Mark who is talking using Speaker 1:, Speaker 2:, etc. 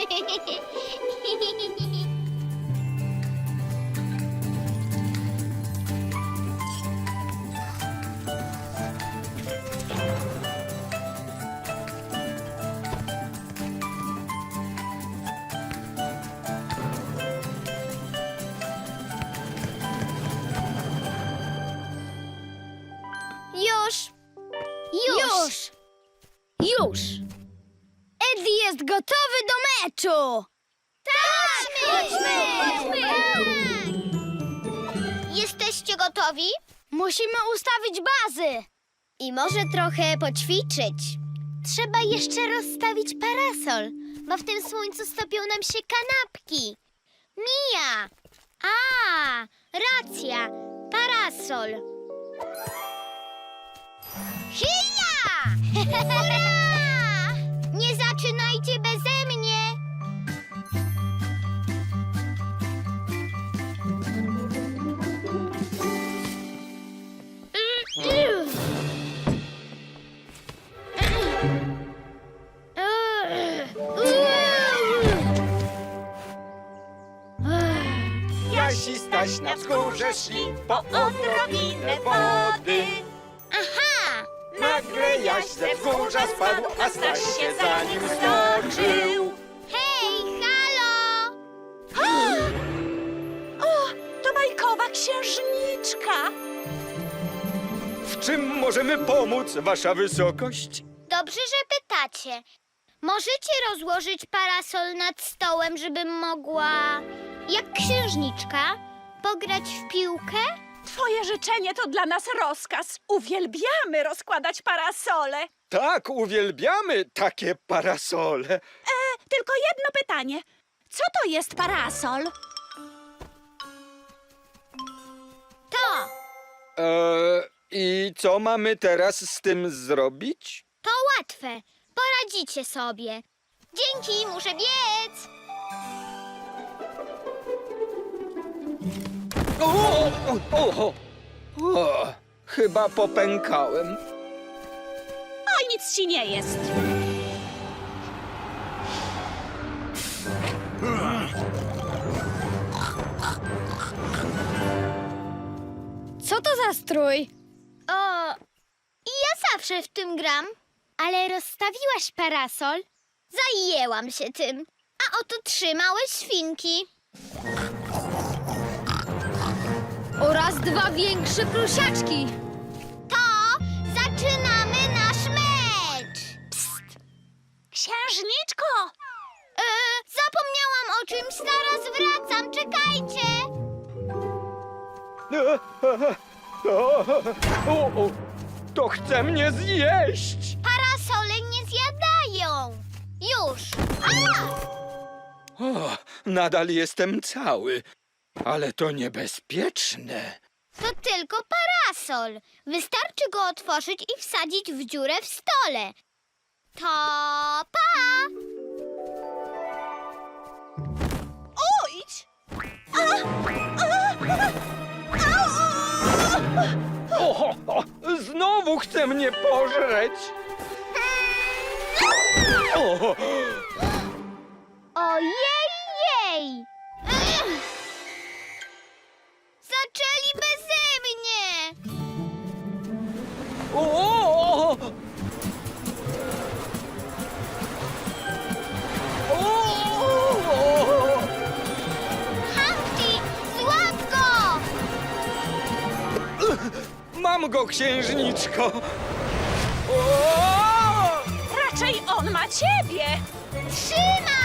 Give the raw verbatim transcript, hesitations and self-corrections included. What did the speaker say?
Speaker 1: Już! Już!
Speaker 2: Już!
Speaker 1: Eddie jest gotowy do meczu! Tak! Chodźmy! Chodźmy! Jesteście gotowi? Musimy ustawić bazy. I może trochę poćwiczyć. Trzeba jeszcze rozstawić parasol, bo w tym słońcu stopią nam się kanapki. Mija! A, racja! Parasol! Hija! Hurra! Nie zaczynajcie beze mnie!
Speaker 3: Jasi Staś na wzgórze szli po odrobinę wody.
Speaker 1: Aha!
Speaker 3: Nagle Jaś ze wzgórza spadł, a Staś się za nim stoczył.
Speaker 1: Hej, halo!
Speaker 2: O, to bajkowa księżniczka!
Speaker 3: W czym możemy pomóc, wasza wysokość?
Speaker 1: Dobrze, że pytacie. Możecie rozłożyć parasol nad stołem, żebym mogła, jak księżniczka, pograć w piłkę?
Speaker 2: Twoje życzenie to dla nas rozkaz. Uwielbiamy rozkładać parasole.
Speaker 3: Tak, uwielbiamy takie parasole.
Speaker 2: E, tylko jedno pytanie. Co to jest parasol?
Speaker 1: To,
Speaker 3: Eee, I co mamy teraz z tym zrobić?
Speaker 1: to łatwe. Poradzicie sobie. Dzięki, muszę biec.
Speaker 3: O, o, o, o, chyba popękałem.
Speaker 2: Oj, nic ci nie jest.
Speaker 1: Co to za strój? O, i ja zawsze w tym gram. Ale rozstawiłaś parasol? Zajęłam się tym. A oto trzy małe świnki.
Speaker 2: Oraz dwa większe prosiaczki.
Speaker 1: To zaczynamy nasz mecz.
Speaker 2: Księżniczko!
Speaker 1: E, zapomniałam o czymś, zaraz wracam, czekajcie.
Speaker 3: O, o, to chce mnie zjeść.
Speaker 1: Parasole nie zjadają. Już. A!
Speaker 3: O, nadal jestem cały, ale to niebezpieczne.
Speaker 1: To tylko parasol. Wystarczy go otworzyć i wsadzić w dziurę w stole. To pa!
Speaker 2: Idź!
Speaker 3: O, o, znowu chce mnie pożreć. O,
Speaker 1: Ojej, jej! Ech! Zaczęli beze mnie!
Speaker 3: o, o, o. O,
Speaker 1: Humpty, złap go!
Speaker 3: mam go, księżniczko. O!
Speaker 2: Raczej on ma ciebie!
Speaker 1: Trzymaj!